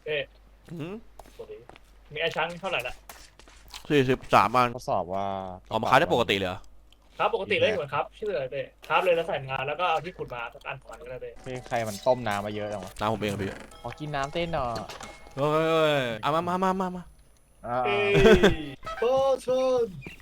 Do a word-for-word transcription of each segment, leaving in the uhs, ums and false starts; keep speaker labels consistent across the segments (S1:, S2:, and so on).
S1: เอ๊ะมีไอ้ช้างเท่าไหร่ละ
S2: สี่สิบสามอัน
S3: ทดสอบว่า
S2: ออกมาขายได้ปกติเลยเหรอ
S1: ครับปกติเลยเหมือนครับชื่ออะไรเต้ครับเลยแล้วใส่งานแล้วก็เอาที่ขุดมาสักอันของมันก็ได้เต้
S3: พี่ใครมันต้มน้ำมาเยอะจังวะ
S2: น้ำผมเองพี่
S3: ขอกินน้ำเต้นหน่อย
S2: เฮ้ยเอามามามามามา
S1: เอ้ยโต้ชน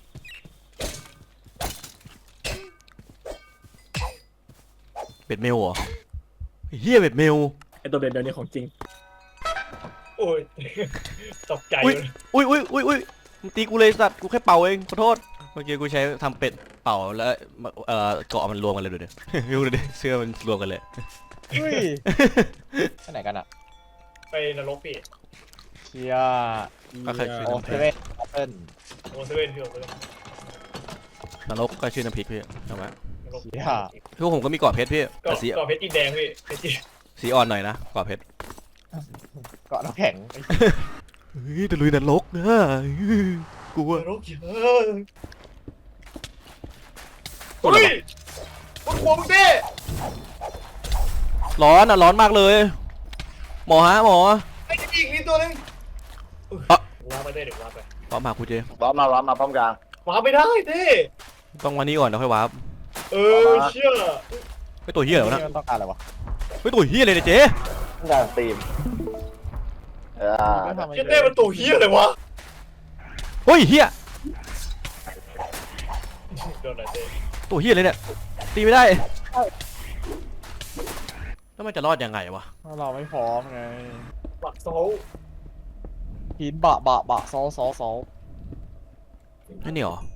S2: เบ็ดเมลเหรอเฮียเบ็ดเมล
S1: ไอตัวเบ็ดเดี๋ยวนี้ของจริงโอ้ยตกใจ
S2: อุ้ยอุ้ยอุ้ยอุ้ยอุ้ยมึงตีกูเลยสัตว์กูแค่เป่าเองขอโทษเมื่อกี้กูใช้ทำเป็ดเป่าแล้วเอ่อเกาะมันรวมกันเลยดูดิดูดิเสื้อมันรวมกันเลย
S3: อุ้ยไปไหนกันอะ
S1: ไปนรกพี่
S3: เชีย
S2: ก็เคยชื่อ
S3: โอ
S2: น้ำพ
S3: เซ
S2: ริก
S3: เว่นแอปเปิ้ล
S1: โอเซเว่นพี่โอเซเว่น
S2: นรกก็ชื่อน้ำพริกพี่เอาไหม
S3: เชีย
S2: พวกผมก็มีเกาะเพชรพี่
S1: เกาะ
S2: สี
S1: เกาะเพชรจีนแดงพี่เพชรจีน
S2: สีอ่อนหน่อยนะเกาะเพชร
S3: เกาะน้ำแข็ง
S2: เฮ้ยตะลุยนรกนะกลัวน
S1: รกเยอะเฮ้ยมันขวงเต้
S2: ร้อนอ่ะร้อนมากเลยหมอฮะหมอ
S1: ไอ้จะอีกนิดตัวนึงว้าไปได้เดี๋ยวว้าไป
S2: ป้อมมากูเจ
S4: ว้ามาว้ามาป้อมกลาง
S1: ว้าไม่ได้เต้
S2: ต้องวันนี้ก่อนแล้วค่อยวาร์ป
S1: เออเชื่อ
S2: ไม่ตัวเฮียเหรอนะ
S3: ต้องการอะไรวะ
S2: ไม่ตัวเฮียเลยเนี่ยเจ๊
S4: ต้องการตีมเออ
S1: เจ๊เต้มันตัวเฮียเลยวะ
S2: เฮ้ยเฮีย
S1: โดนอะไรเต้
S2: ตัวเฮียเลยเนี่ยตีไม่ได้แล้วมันจะรอดยังไงวะ
S3: เราไม่พร้อมไง
S1: บักโซ่
S3: หินบะบะบะโซโซโซ
S2: นั่นนี่หรอ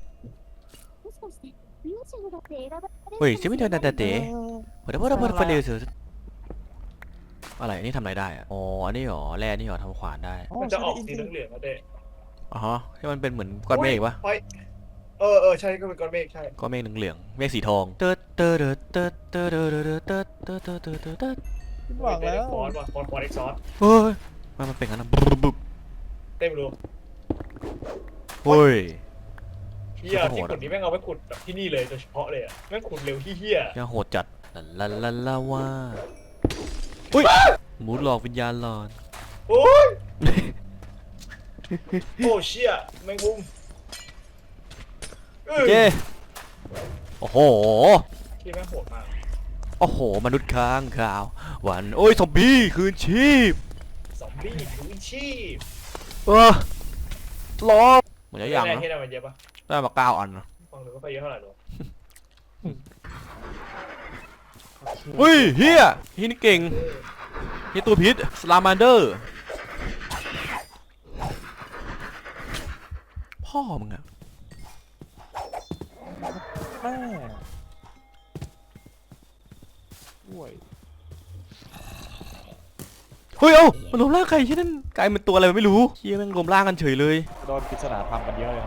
S2: เฮ้ยใช่ไหมเธอนาตาเต๋เปิดเปิดเปิดไฟเร็วสุดอะไรนี่ทำอะไรได้อะอ๋ออันนี้หรอแร่นี่หรอทำขวานได้
S1: มันจะออกสีเหลืองๆนะเต้
S2: อ๋อฮะที่มันเป็นเหมือนก้อนเมฆปะ
S1: เออเออใช่ก็เป็นก้อนเมฆใช่
S2: ก้อนเมฆเหลืองๆเมฆสีทองเติร์ดเติร์ดเติร์ดเติร์ดเติร์ดเติร์ดเติร์ดเติร์ดเติร์ดเติร์ดเติร์ด
S3: หวังแล้ว
S1: ฟอนว่ะฟอนฟอนเอ็กซ์ซอส
S2: เฮ้ยมันมันเป็นงั้นนะบุ๊บ
S1: เต้ไม่รู้
S2: เฮ้ย
S1: เฮียที่ขุดนี้แม่งเอาไปขุดแบบที่นี่เลยโดยเฉพาะเลยอ่ะแม่งขุดเร็วที่เฮีย
S2: ยังโหดจัดลาลาลาว่าอุ้ยหมูหลอกวิญญาณหลอน
S1: โอ้ยโอ้เชี่ยแมงมุม
S2: เจโอ้โห
S1: ที่แม่งโหดมาก
S2: โอ้โหมนุษย์ค้างข่าววันโอ้ยซอมบี้คืนชีพ
S1: ซอมบี้คืนชีพ
S2: เออล้อเหมือนจะยังนะ
S1: ได้มาเยอะปะ
S2: ได้มาเก้าอันนะ
S1: ฟังดูก็ไปเยอะเท่าไหร่ดู
S2: เฮ้ยเฮียเฮียนี่เก่งเฮียตัวพิษสลามันเดอร์พ่อมึงอะ
S3: แม่ห่วย
S2: เฮ้ยเอ้ามันรวมร่างใครที่นั่นกลายเป็นตัวอะไรไม่รู้เฮียแม่งรวมร่างกันเฉยเลย
S3: โดนปริศนาธรรมกันเยอะเลย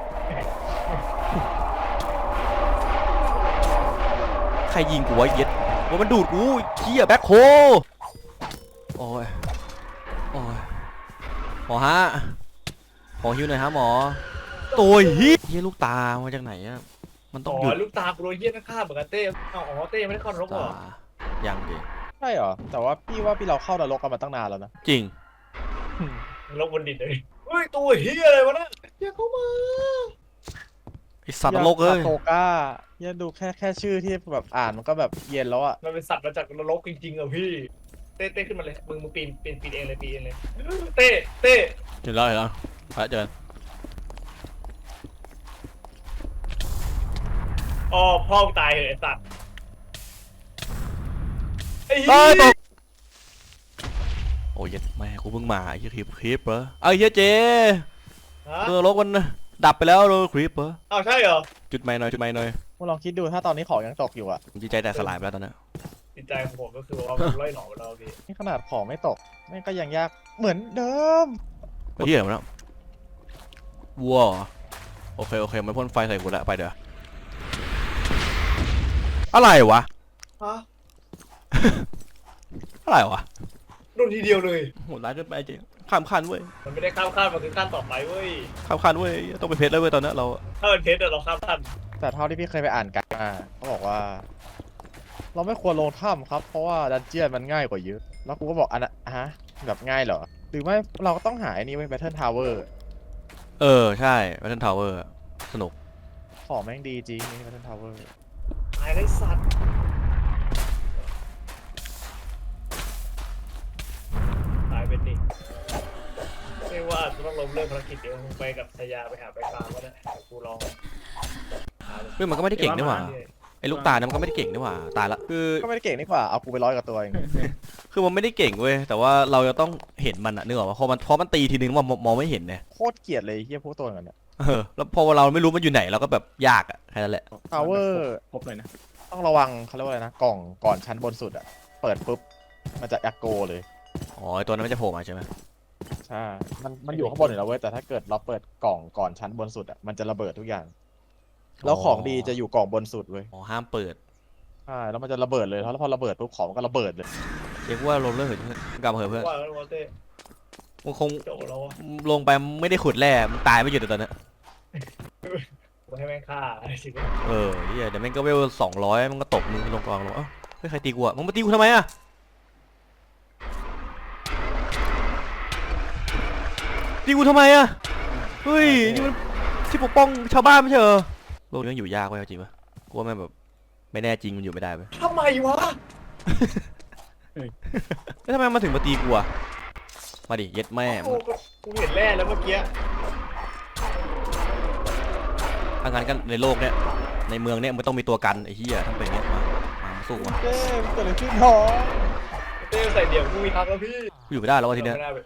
S2: ใครยิงกูวะเย็ดว่ามันดูดกูเฮียแบ็คโฮโอ้ยโอ้ยหมอฮะขอฮิวหน่อยฮะหมอตัวเฮียเฮียลูกตามาจากไหนอะมันต้องหยุด
S1: ลูกตาโปรเฮียนักฆ่าเหมือนกันเต้อ๋อเต้ไม่ได้เข้านรกหรอ
S2: ยังดิ
S3: ใช่เหรอแต่ว่าพี่ว่าพี่เราเข้านรกกันมาตั้งนานแล้วนะ
S2: จริง
S1: นรกบนดินเลยเฮ้ยตัวเฮียอะไรวะน่ะอย่าเข้ามา
S2: ไอสัตว์นรกเอ้ย
S3: โตก้ายันดูแค่แค่ชื่อที่แบบอ่านมันก็แบบเย็นแล้วอ่ะ
S1: มันเป็นสัตว์มาจากนรกจริงๆอ่ะพี่เต้เต้ขึ้นมาเลยมึงมึงปีนปีนปีนเองเลยปีนเองเลยเต้เต้
S2: เห็นแล้วเห็นแล้วไปเจอ
S1: อ๋อพ่อตายเหรอไอสัตว์ไอ้เหี้ย
S2: โอ้ยแม่กูเพิ่งมาไอ้คลิปคลิปเหรอไอ้เหี้ยเจเรือรถมันดับไปแล้วโดนคลิปเหรอ
S1: อ้าวใช่เหรอ
S2: จุดไม้หน่อยจุดไม้หน่อย
S3: มึงลองคิดดูถ้าตอนนี้ของยังตกอยู่อ่ะ
S2: จิตใจแต่สลายไปแล้วตอนนี้
S1: จิตใจของผมก็คือว่าไล่หนอนไปแล้วพี่
S3: นี่ขนาดของไม่ตกนี่ก็ยังยากเหมือนเดิม
S2: ไอ้เหี้ยมันแล้ววัวโอเคโอเคมันพ่นไฟใส่กูแล้วไปเดี๋ยวอะไรวะ
S1: ฮะ
S2: อะไรวะ
S1: โดนทีเดียวเลย
S2: โหดร้ายเกินไปจริงข้ามขั้นเว้ย
S1: มันไม่ได้ข้ามขั้นมันคือขั้นต่อไปเว้ย
S2: ข้ามขั้นเว้ยต้องเป็นเพชรแล้วเว้ยตอนนี้เรา
S1: ถ้าเป็นเพชรเราข้ามขั้น
S3: แต่เท่าที่พี่เคยไปอ่านกันมาเขาบอกว่าเราไม่ควรลงถ้ำครับเพราะว่าดันเจี้ยนมันง่ายกว่าเยอะแล้วกูก็บอกอันนะฮะแบบง่ายเหรอหรือไม่เราก็ต้องหาไอ้นี่ไว้ Battle Tower
S2: เออใช่แบทเทิลทาวเวอร์สนุก
S3: ของแม่งดีจริงนี่ Battle Tower
S1: ตายได้สัตว์ตายเป็นดิไม่ว่าจะต้องล้มเลิกภารกิจเดี๋ยวมึงไปกับชายาไปหาไปฟาร์มก็ได้กูลองหา
S2: เฮ้ยมันก็ไม่ได้เก่งนี่หว่าไอ้ลูกตาลนั้นมันก็ไม่ได้เก่งนี่หว่าตายละคือ
S3: ก็ไม่ได้เก่งนี่กว่าเอากูไปร้อยกับตัวเอง
S2: คือมันไม่ได้เก่งเว้ยแต่ว่าเราจะต้องเห็นมันอะนึกออกปะพอมันเพราะมันตีทีนึงมันมองไม่เห็นเนี่ย
S3: โคตรเกลียดเลยเฮียพวกตัวกันเนี่ย
S2: เออแล้วพอเราไม่รู้มันอยู่ไหนเราก็แบบยากอะแค่นั้นแหละ
S3: Tower
S5: ครบเลยนะ
S3: ต้องระวังเขาเรียกว่าอะไรนะกล่องก่อนชั้นบนสุดอะเปิดปุ๊บมันจะแอคโกเลย
S2: อ๋อไอ้ตัวนั้นมันจะโผล่มาใช่ไหม
S3: ใช่มันมันอยู่ข้างบนอยู่แล้วเว้ยแต่ถ้าเกิดเราเปิดกล่องก่อนชั้นบนสุดอะมันจะระเบิดทุกอย่าง แล้วของดีจะอยู่กล่องบนสุดเว้ย
S2: อ๋อห้ามเปิด
S3: ใช่แล้วมันจะระเบิดเลยแล้วพอระเบิดปุ๊บของมันก็ระเบิดเลย
S2: เรียกว่าลงเรื่องเหินกลับมาเถอะเพื่อน
S1: ว่าแล้ววอเต้
S2: มึงคง
S1: โจแล้ววะ
S2: ลงไปไม่ได้ขุดแร่มึงตายไม่หยุดเลยตอนเนี้ย
S1: กูให้แม่งฆ่าอะไรสิ
S2: เออเหี้ยเดี๋ยวแม่งก็เวลสองร้อยมันก็ตกมึงลงกองลงเอ้าเฮ้ยใครตีกูอะมึงมาตีกูทำไมอะตีกูทำไมอะเฮ้ยนี่มันที่ปกป้องชาวบ้านไม่ใช่เหรอโลกนี้มันอยู่ยากเว้ยเอาจริงปะกูว่าแม่งแบบไม่แน่จริงมันอยู่ไม่ได้เว้ย
S1: ทำไมวะ
S2: แล้วทำไมมันถึงมาตีกูอะมาดิเย็ดแม่
S1: กูก็กูเห็นแร่แล้วเมื่อกี้
S2: ถ้างั้นกันในโลกเนี้ยในเมืองเนี้ยมันต้องมีตัวกันไอ้เหี้ยทำเป็นเนี้ยมามาสู้วะ
S3: เจ้มันเกิดอะไรขึ้นท้อง
S1: เต้ใส่เดี่ยวกูมีทักแล้วพี่
S2: กูอยู่ไม่ได้แล้ววะทีเนี้ย
S1: ไม่ได้ไป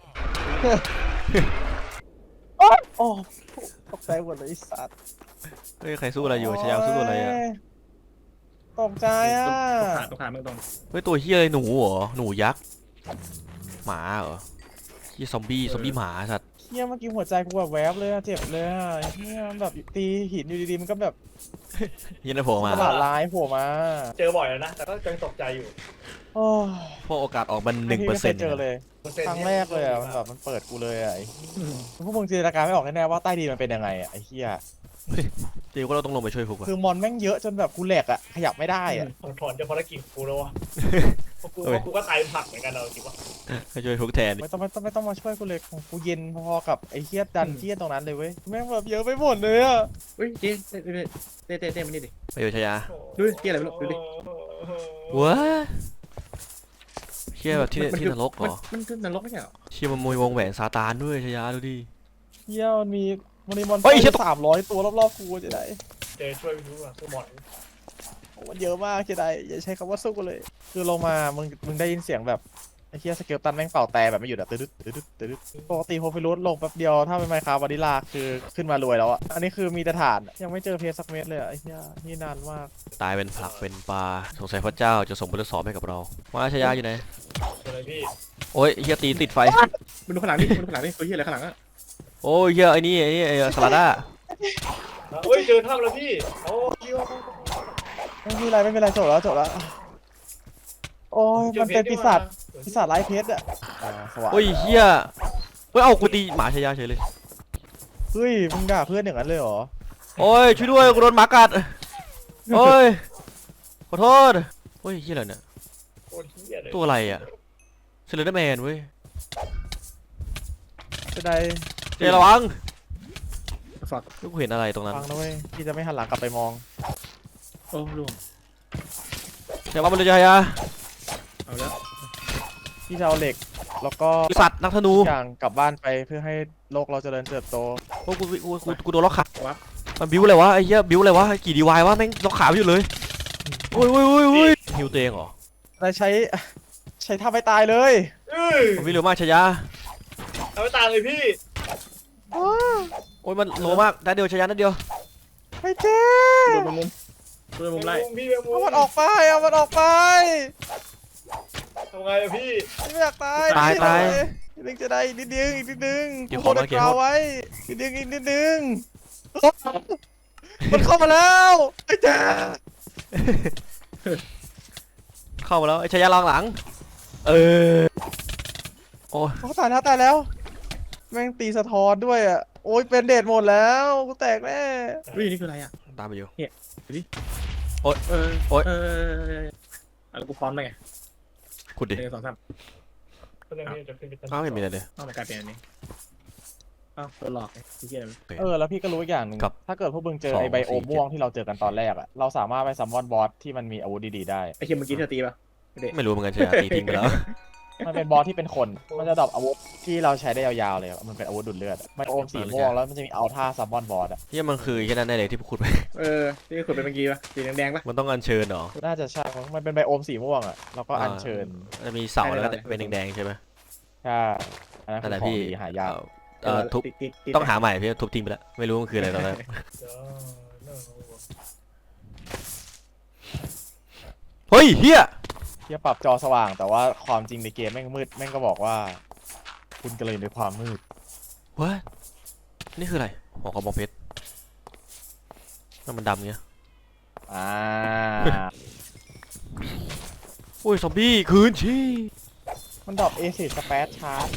S3: โอ้ตกใจหมดเลยไอ้สัตว์
S2: เฮ้ยใครสู้อะไรอยู่ชายาสู้อะไรอะ
S3: ตกใจอ่ะ
S5: ตกขาดตกขาดมึงตรง
S2: เฮ้ยตัวเหี้ยอะไรหนูเหรอหนูยักษ์หมาเหรอเหี้ยซอมบี้ซอมบี้หมาสัตว์
S3: เฮียเมื่อกี้หัวใจกูแบบแวบเลยอะเจ็บเลยอะเฮียมันแบบตีหินอยู่ดีๆมันก็แบบ
S2: เหี้ยนั่นโผล่มา
S3: ตลาดร้ายโผล่มา
S1: เจอบ่อยแล้วนะแต่ก็ยังตกใจอยู่
S3: โอ้ย
S2: เพราะโอกาสออกมันหนึ่งเปอร์
S3: ไม่
S2: เซ็นต์
S3: คยเจอเลย
S1: เปอร์เซ็นต์
S3: ครั้งแรกเลยอะมันแบบมันเปิดกูเลยอะไอ้พวกมึงจินตนาการไม่ออกแน่ๆว่าใต้ดินมันเป็นยังไงอะไอ้เฮีย
S2: เดี๋ยวก็เราต้องลงไปช่วยพวกว่ะ
S3: คือมอนแม่งเยอะจนแบบกูแหลกอะขยับไม่ได้อะ
S1: ถอนถอนจากภารกิจกูแล้ววะเพราะกูเพราะกูก็ตายเป็นผักเหมือนกันเราจริงวะ
S2: ให้ช่วยพวกแทน
S3: ไม่ต้องไม่ต้องไม่ต้องมาช่วยกูเลยของกูเย็นพอๆกับไอ้เฮียดันเทียนตรงนั้นเลยเว้ยแม่งแบบเยอะไปหมดเลยอะ
S5: เฮ้ยเจ๊เต้เต้เต้เต้เต้มานี่ดิ
S2: ไปอยู่ชายา
S5: ดูดิเหี้ยอะไรไม่รู้ดูดิ
S2: ว้าเชี่ยแบบที่ที่นรกเหรอ
S5: มันคือนรกไม่ใช่เหรอ
S2: เชี่ยมันมวยวงแหวนซาตานด้วยชายาดูดิ
S3: เฮียมันมีมันมีมอน
S2: เฮ้ยเหี้ย
S3: สามร้อยตัวรอบๆกูจะได้
S1: เจอช่วยพี่รู้อ่ะคือหมอน
S3: โอ้มันเยอะมากจะได้อย่าใช้คำว่าสู้กูเลย คือลงมามึงมึงได้ยินเสียงแบบไอ้เฮียสเกลตันแม่งเป่าแต่แบบไม่หยุดอะตึ๊ดตึ๊ดตึ๊ดตึ๊ดปกติโฮฟิรูสลงแป๊บเดียวถ้าเป็นไมค์คราฟวานิลาคือขึ้นมารวยแล้วอะอันนี้คือมีแต่ฐานยังไม่เจอเพชรสักเม็ดเลยอะไอ้เฮียนี่นานมาก
S2: ตายเป็นผักเป็นปลาสงสัยพระเจ้าจะส่งบททดสอบให้กับเรามาชายาอยู่ไหน
S1: เจออะไรพี่
S2: โอ้ยเฮียตีติดไฟ
S5: มึงดูข้างหลังดิมึงดูข้างหลังดิตัวเหี้ยอะไรข้างหลังอะ
S2: โอ้ยเฮียไอ้นี่ไอ้นี่ไอ้สลัดด้า
S1: เฮ้ยเจอถ้ำแล้วพี่โอ้พี่ว่า
S3: ไม่มีอะไรไม่มีอะไรจบแล้วจบแล้วโอ้ยมันเป็นปีศาจปีศาจไร้เพชรอะอ่าสว่าง
S2: โอ้ยเฮียเฮ้ยเอากูตีหมาชายาเฉยเลย
S3: เฮ้ยมึงด่าเพื่อนอย่างนั้นเลยเหรอ
S2: โอ้ยช่วยด้วยกูโดนหมากัดโอ้ยขอโทษโอ้ยเฮียอะไรเนี่ย
S1: โคตรเหี้ยเลย
S2: ตัวอะไรอ่ะเซเลนเดอร์แมนเว้ย
S3: จะได้
S2: เจระวัง
S5: ฝัก
S2: ลูกเห็นอะไรตรงนั้น
S3: ฟังนะเว้ยพี่จะไม่หันหลังกลับไปมอง
S5: โอ้ล่วง
S2: เดี๋ยวว่ามันเลยชายา
S5: เอาแล้ว
S3: พี่จะเอาเหล็กแล้วก็
S2: สัตว์นักธนู
S3: ทุกอย่างกลับบ้านไปเพื่อให้โลกเราเจริญเติบโต
S2: โอ้กูกูกูกูโดนล็อกขา
S5: วับ
S2: มันบิ้วอะไรวะไอ้เหี้ยบิ้วอะไรวะกี่ดีวายวะแม่งล็อกขาไม่อยู่เลยโอ้ยโอ้ยโอ้ยโอ้ยฮิวตัวเองเหรอ
S3: ได้ใช้ใช้ท่าไม่ตายเลย
S1: เอ้ย
S2: มันวิ่งเร็วมากชายา
S1: เอาไปตามเลยพี่
S2: โอ้ยมันโลมากได้เดียวชายานัดเดียว
S3: ไอ้เจ๊
S5: โดนมุมโดนมุมไล่
S1: พี่แมงมุ
S3: เอา
S1: ม
S3: มันออกไปเอามันออกไป
S1: ทำไงอะพี่
S3: ไม่อยากตาย
S2: ตายตาย
S3: อีกนิดนึงจะได้อีกนิดนึงอีกนิดนึง
S2: เดี๋ยว
S3: กู
S2: ขอ
S3: โด
S2: มาน เก็บ
S3: กราว
S2: โทษ
S3: ไว้อีกนิดนึงอีกนิดนึงมันเข้ามาแล้วไอ้เจ๊
S2: เข้ามาแล้วไอ้ชายาลองหลังเออโอ้ย
S3: เขาตายแล้วตายแล้ว แม่งตีสะท้อนด้วยอ่ะโอ้ยเป็นเดทหมดแล้วกูแตกแน่
S5: เฮ้ยนี่คืออะไรอ่ะ
S2: ตามไปอยู่
S5: เออ
S2: โอ๊ย
S5: เอออะไรกูพร้อมเลยไง
S2: ขุดดิ
S5: หนึ่งสองสาม
S1: ก็เลยไม่จะขึ้นไปชั้น
S2: อ้าวไม่มีอะไรเลย
S5: อ้าวมันกลายเป็นอันนี้อ้าวตัวหลอกไอ้เหี้ยอะไร
S3: เออแล้วพี่ก็รู้อีกอย่างหนึ่ง
S2: ครับ
S3: ถ้าเกิดพวกมึงเจอ
S2: สอง
S3: ไอไบโอ
S2: สี่
S3: ม
S2: เจ็ด
S3: ม่วงที่เราเจอกันตอนแรกอะเราสามารถไปซัมมอนบอสที่มันมีอาวุธดีๆได้
S5: ไอ้เหี้ยเมื่อกี้เธอตีป่ะไม่ได้
S2: ไม่รู้เหมือนกันใช่ไหมตีทิ้งไปแล้ว
S3: มันเป็นบอสที่เป็นคน มันจะดรอปอาวุธที่เราใช้ได้ยาวๆเลยอะมันเป็นอาวุธดูดเลือดอะไบโอมสีม่วงแล้วมันจะมีเอาท่าซัมมอนบอสอะ
S2: เฮียมันคือแค่นั้นได้เลยที่พูดไป
S5: เออที่ขุดไปเมื่อกี้ป่ะสีแดงๆป่ะ
S2: มันต้องอัญเชิญเหรอ
S3: น่าจะใช่มั้งมันเป็นไบโอมสีม่วงอะแล้วก็อัญเชิญ
S2: จะมีเสาแล้วก็เป็นแดงๆใช่ไหม
S3: ใช่อันนั้น
S2: นั่น
S3: คื
S2: แห
S3: อ
S2: ละ
S3: ของ
S2: พี่
S3: ดีหายาก
S2: เอ่อทุบ
S5: ติดติดติด
S2: ต้องหาใหม่พี่ทุบทิ้งไปแล้วไม่รู้มันคืออะไรตอนแรก
S1: เดี๋ยวเรื่องของ
S2: เฮ้ยเฮีย
S3: ที่ปรับจอสว่างแต่ว่าความจริงในเกมแม่งมืดแม่งก็บอกว่า คุณกระเลยในความมืด
S2: วะนี่คืออะไรหัวกระบอกเพชรนั่นมันดำเงี้ย
S3: อ่า
S2: โอ้ยซอมบี้คืนชี
S3: มันดรอปเอซิสเปซชาร์จ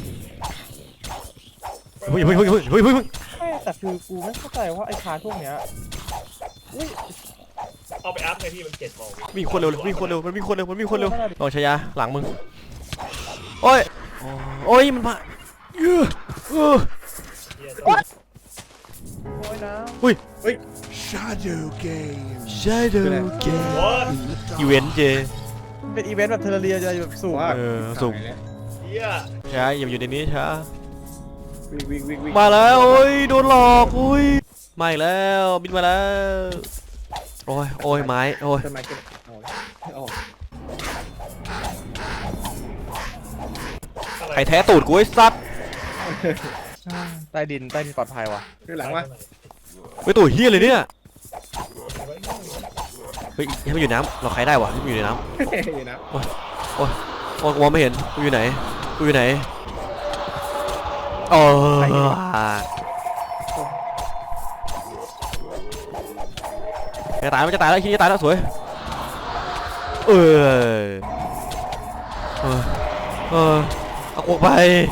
S2: เฮ้ยเฮ้ยเฮ้ยเฮ้ยเฮ้ยเฮ้ย
S3: ไม่แต่คือกูไม่เข้าใจว่าไอ้ชาร์จพวกเนี้ยอุ้ย
S1: เอาไปอัพไงพี่มันเจ็ดโมง
S2: มีคนเร็วมีคนเร็วมันมีคนเร็วมันมีคนเร็วลองชายาหลังมึงโอ้ยโอ้ยมันมาเยอะเออ
S1: เหี้ย
S3: โอ้ยนะ
S6: Shadow Game.
S2: ใช่เด้อเกม
S1: โอ้ย
S2: อีเวนต์เจ
S3: มันเป็นอีเวนต์แบบเทเลเรียจะแบบสูง
S5: ว่า
S2: เออสุ่ม
S1: เหี้ย
S2: ช้าอย่าอยู่ในนี้ช้า
S5: วิ่งวิ่งวิ่งวิ่ง
S2: มาแล้วโอ้ยโดนหลอกอุ้ยมาอีกแล้วบินมาแล้วโอ้ยโอ้ยไม้โอ้ย
S5: ต้นไม้ก็เอาเอา
S1: อะไร
S2: ใครแท้ตูดกูไอ้สัตว์
S3: ใต้ดินใต้ดินปลอดภัยว่ะ
S5: คือหลังว่า
S2: ไปตูดเฮียเลยเนี่ยเฮ้ยให้มันอยู่น้ำเราใครได้วะให้มันอยู่ในน้ำ
S5: อยู่นะ
S2: โอ้ยมองไม่เห็นกูอยู่ไหนกูอยู่ไหนโอ้ยจะตายมันจะตายแล้วคิดจะตายแล้วสวยเออเออเออเอากูไป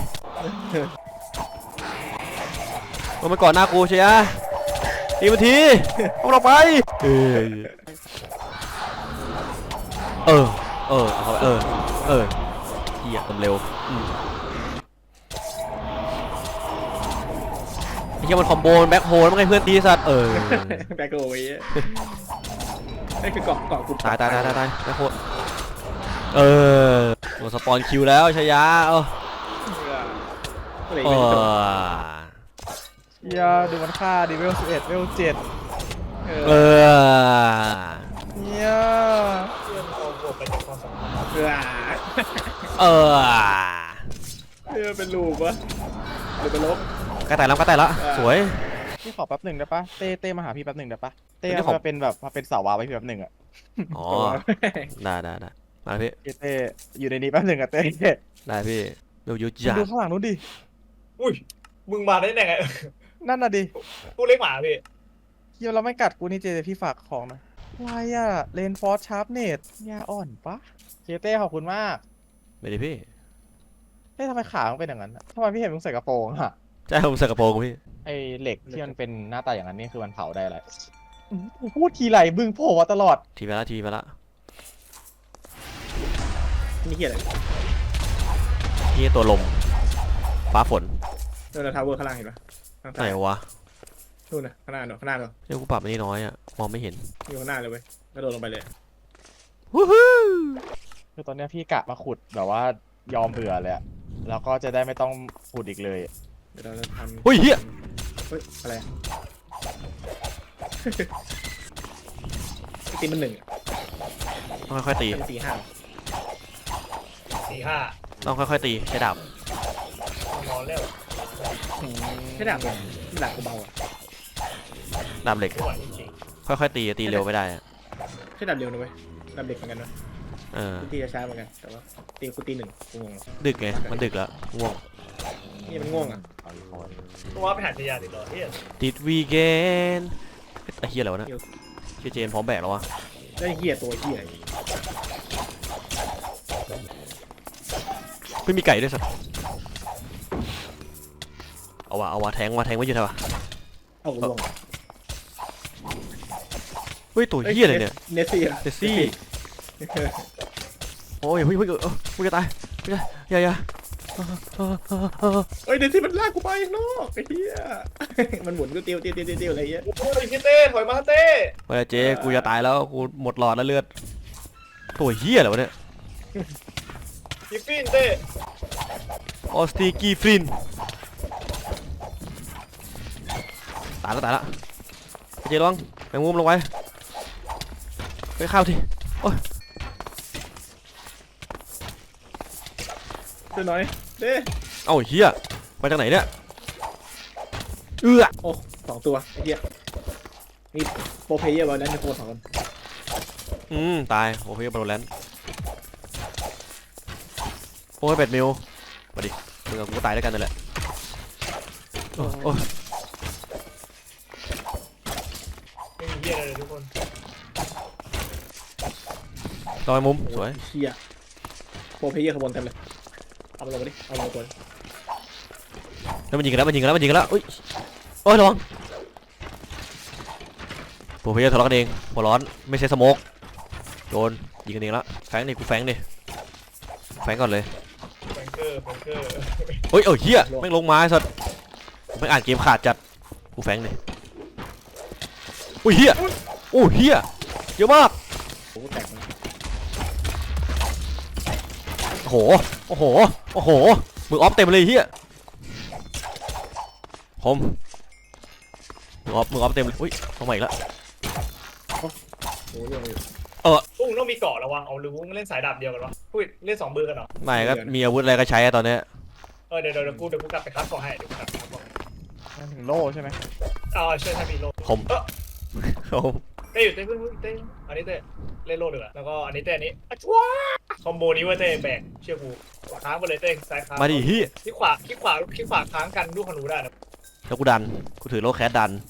S2: มันก่อนหน้ากูเชียตีมันทีเอาเราไปเออเออเออเอาไปเออเออเหี้ยทำเร็วอืมไอ้เหี้ยมันคอมโบแบ็คโฮลมันไงเพื่อนตีสัตว์เออ
S5: แบกโอ้ยนี่คือเกาะเกาะกู
S2: ตายตายตายตายตายแบ็คโฮลเออโดนสปอนคิวแล้วชายาเออ
S5: ก็เลย
S2: เอ
S5: ไม่ได้จบ
S2: อ
S3: เฮียดูมันฆ่าดิเวลสิบเอ็ดเวลเจ็ด
S5: เอ
S2: เอ
S5: อ
S2: อ
S3: เฮีย
S1: เพื่อนเอาบวกไปจากความสัมพันธ์
S5: เออ
S2: เออ
S5: เออเป็นลูกวะหรือเป็นลบ
S2: กระต่ายแล้วกระต่ายแล้วสวย
S3: พี่ขอแป๊บหนึ่งได้ปะเต้เต้มาหาพี่แป๊บหนึ่งได้ปะเต้
S2: ไม่ได้ขอ
S3: มาเป็นแบบมาเป็นสาววาวไว้พี่แป๊บหนึ่งอะ
S2: อ๋อได้ได้ได้มาพี่
S3: เต้อยู่ในนี้แป๊บหนึ่งอะเต้
S2: ได้พี่ดูยุจั
S3: ดูข้างหลังนู้นดิ
S1: อุ้ยมึงมาได้ยังไง
S3: นั่นน่ะดิ
S1: กูเลี้ยงหมาพี่
S3: เฮียเราไม่กัดกูนี่เจพี่ฝากของนะวายอะเลนฟอร์ชาร์ปเนตยาอ่อนปะเคเต้ขอบคุณมาก
S2: ไม่ได้พี่
S3: เต้ทำไมขามึงเป็นอย่างนั้นอะทำไมพี่เห็นมึงใส่กระโปรงอะ
S2: ใช่ผมใส่กระโปรงพี่
S3: ไอเหล็กที่มันเป็นหน้าตาอย่างนั้นนี่คือมันเผาได้อะไรอืมกูพูดทีไรบึงโผล่มาตลอด
S2: ทีไปละทีไปละ
S5: นี่เหี้ยอะไร
S2: นี่ตัวลมฟ้าฝน
S5: เออเราทาวเวอร์ข้างล่างเห็นปะข้าง
S2: ไหน
S5: ใต้
S2: วะ
S5: นู่นนะข้างหน้าเนอะข้างหน้าเนอะ
S2: เนี่ยกูปรับอันนี้น้อยอะมองไม่เห็น
S5: อยู่ข้างหน้าเลยเว้ยกระโดดลงไปเลย
S2: วู้ฮู้
S3: คือตอนเนี้ยพี่กะมาขุดแบบว่ายอมเบื่อเลยอะแล้วก็จะได้ไม่ต้องขุดอีกเลย
S5: เดี๋ยวเราจะทำ
S2: เฮ้ยเฮีย
S5: เฮ้ยอะไรอะตีมันหนึ่งอะ
S2: ต้องค่อยๆตี
S5: ตีห้า
S1: สี่ห้า
S2: ต้องค่อยๆตีใช้ดาบ
S1: นอนแล้ว
S5: ใช่ดาบเลยไม่ดาบกูเบาอะ
S2: ดาบเหล็ก
S1: ไม่ไหวจริง
S2: ค่อยๆตีตีเร็วไม่ได้อะ
S5: ใช่ดาบเร็วนะเว้ยดาบเด็กเหมือนกันนะ
S2: เออ
S5: ตีช้าเหมือนกันแต่ว่าตีกูตีหนึ่งกูงง
S2: ดึกไงมันดึกแล้วง่วง
S5: นี่มันง่วงอ่ะ
S1: ๆตัวไปหาชายาติดต่อเฮีย
S2: ติดวีเกนไอ้เฮียอะไรวะเนี่ยเฮียเจนพร้อมแบกแล้ววะ
S5: ได้เหี้ยตัวเหี้ย
S2: ไม่มีไก่ด้วยสัตว์เอาวะเอาวะแทงวะแทงไว้อยู่เท่าไหร่
S5: เอากูง่วง
S2: เฮ้ยตัวเฮียอะไรเนี่ย
S5: เนสซี่อะ
S2: เจสซี่โอ้ยเฮ้ยเฮ้ยเออมึงจะตายไม่ใช่อย่าอย่า
S5: เฮ้ยเดี๋ยวที่มันลากกูไปข้างนอกไอ้เหี้ยมันหมุนกูเตียวเตียวเตียวเตียวอะไรเงี้ย
S1: โอ้ยพี่เต้ถอยมาเต้
S2: เฮ้ยเจ๊กูจะตายแล้วกูหมดหลอดแล้วเลือดตัวเฮียอะไรวะเนี่ย
S1: พี่ฟินเต้
S2: ออสติกีฟรินตายแล้วตายแล้วเจ๊ระวังแมงมุมลงไปไปเข้าทีโอ้ย
S5: เดี๋ยวหน่อยเด้
S2: เอ้าเฮียมาจากไหนเนี่ยเอื้อ
S5: โอ้สองตัวไอ้เหี้ยนี่โปรเพลเยอร์บอลนั้นจะโปรสองคน
S2: อืมตายโอ้ยบอลแลนด์โอ้ยเป็ดมิวมาดิมึงกับกูตายด้วยกันนั่นแหละโอ้ยโอ้ย
S1: ไม่มีเหี้ยอะไรเลยทุกคน
S2: ต่อยมุมสวย
S5: เหี้ยโปรเพลเยอร์ขบวนเต็มเลยเอามาลงมาดิเอามาลงตัว
S2: แล้วมันยิงกันแล้วมันยิงกันแล้วมันยิงกันแล้วอุ้ยโอ้ยระวังโปรเพลเยอร์ทะเลาะกันเองหัวร้อนไม่ใช่สโมกโดนยิงกันเองแล้วแฟงดิกูแฟงดิแฟงก่อนเลย
S1: แบงเกอร์แบงเกอร์
S2: เฮ้ยเอ้ยเฮียแม่งลงมาไอ้สัสแม่งอ่านเกมขาดจัดกูแฟงดิอุ้ยเฮียโอ้เฮียเยอะมาก
S5: โอ้แตกมัน
S2: โอ้โหโอ้โหโอ้โหมือออฟเต็มเลยเฮียคมมือออฟมือออฟเต็มเลยอุ้ยเข้ามาอีกแล้ว
S5: โอ้ยยังอยู่
S1: อุ้งต้องมีเกาะระวังเอาหรือวุ้งเล่นสายดาบเดียวกันวะอุ้ยเล่นสองมือกันเหรอ
S2: ไม่ก็มีอาวุธอะไรก็ใช้อะตอนเนี้ย
S1: เออเดี๋ยวเดี๋ยวกูเดี๋ยวกูกลับไปคัดเกาะให้เดี๋ยวกูกลับไปคัดเกาะให้
S3: นั่นถึงโล่ใช่ไหม
S1: อ๋อใช่ถ้ามีโล
S2: คม
S1: เออ
S2: คม
S1: เต้อยู่เต้เพิ่งเต้อันนี้เต้เล่นโลดเลยแล้วก็อันนี้เต้อันนี้อ่ะชัวคอมโบนี้เว่าเต้แบกเชื่อกูค้างไปเลยเต้ซ้ายค้าง
S2: มาดิเฮีย
S1: ที่ขวาที่ขวาที่ขวาค้างกันลูกขนูได้นะ
S2: แล้วกูดันกูถือโลแคสดัน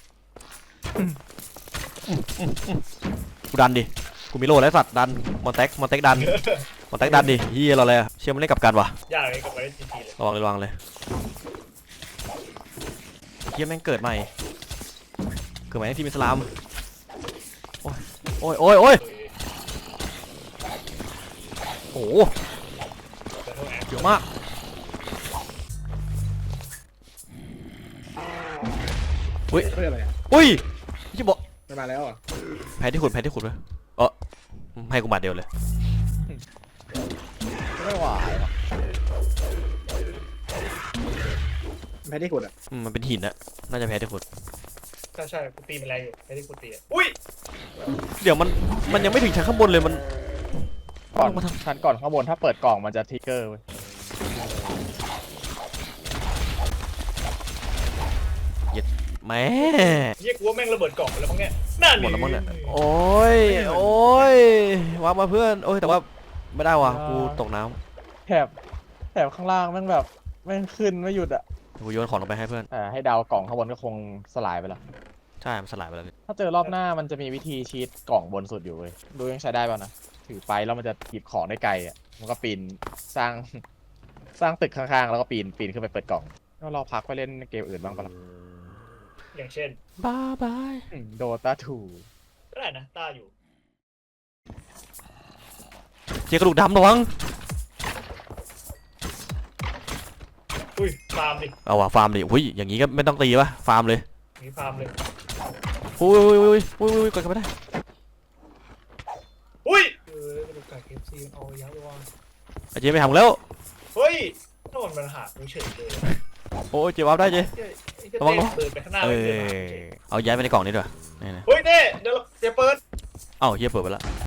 S2: กูดันดิกูมีโลแล้วสัตว์ดันมอนแท็กมอนแท็กดันมอนแท็กดันดิเฮียเราเลยอะเชื่อมันเล่นกับกันวะ
S1: ยากเลยกับไปเล่นจีทีเลย
S2: ระวังเลยระวังเลยเฮียแม่งเกิดใหม่เกิดใหม่ในทีมอิสลามโอ้ยโอ้ยโอ้ยโอ้ยโอ้โหเยอะมาก
S5: เฮ้ยอะไรอ่ะ
S2: อุ้ยที่บอก
S5: มันมาแล้วอ่ะ
S2: แพ้ที่ขุดแพ้ที่ขุดเลยเออให้กูบาดเดียวเลย
S3: ไม่ไหวว่ะ
S5: แพ้ที่กดอ่ะ
S2: อืมมันเป็นหินอะน่าจะแพ้ที่ขุด
S1: ใช่ใช่กูตีมันแรงอยู่ไอ้ที่กูตีอ่ะอุ้ย
S2: เดี๋ยวมันมันยังไม่ถึงชั้นข้างบนเลยมัน
S3: ก่อน
S2: มาทำ
S3: ชั้นก่อนข้างบนถ้าเปิดกล่องมันจะทริกเกอร์เว้ย
S2: แม่
S1: เฮียกูว่าแม่งระเบิดกล่องไปแล้วมั้งเนี่ยนั่น
S2: หมดแล้วมั้งเนี่ยโอ้ยโอ้ยวางมาเพื่อนโอ้ยแต่ว่าไม่ได้ว่ะกูตกน้
S3: แถบแถบข้างล่างแม่งแบบแม่งขึ้นไม่หยุดอะ
S2: ำกูโยนของลงไปให้เพื่อน
S3: แต่ให้เดากล่องข้างบนก็คงสลายไปแล้ว
S2: ใช่มันสลายไปแล้วพี่
S3: ถ้าเจอรอบหน้ามันจะมีวิธีชีตกล่องบนสุดอยู่เว้ยดูยังใช้ได้ป่ะนะถือไปแล้วมันจะหยิบของได้ไกลอ่ะมันก็ปีนสร้าง สร้างตึกข้างๆแล้วก็ปีนปีนขึ้นไปเปิดกล่องก็รอพักไปเล่นเกมอื่นบ้างปะล่ะ
S1: อย่างเช่น
S2: บายบาย
S3: โดตาทู
S1: ก็ได้นะต้าอยู่
S2: เจ๊กระดูกดำระวัง
S1: อุ้ยฟาร์มดิ
S2: เอาว่ะฟาร์มดิอุ้ยอย่างงี้ก็ไม่ต้องตีป่ะฟาร์มเลย
S1: มีฟาร์มเลย
S2: อุ้ยอุ้ยอุ้ยอุ้ยอุ้ยกดกันไม่ได้
S1: อุ้ยเออกระดูกไก่เคฟซีเอายักษ์ว่า
S2: ไอ้เจ๊ไม่ทำแล้ว
S1: เฮ้ยถ้ามันมันหากูเฉยเลย
S2: โอ้ยเจ๊วับได้เจ๊ ระวังระวัง
S1: เดินไปข้างหน้า
S2: เอ
S1: ไม่
S2: อ
S1: เดินหา
S2: เอาย้ายไปในกล่องนี้ด้วยนี่นะ
S1: เฮ้ยเต้เดี๋ยวเดี๋ยวเปิด
S2: เอ้าเฮียเปิดไปแล้ว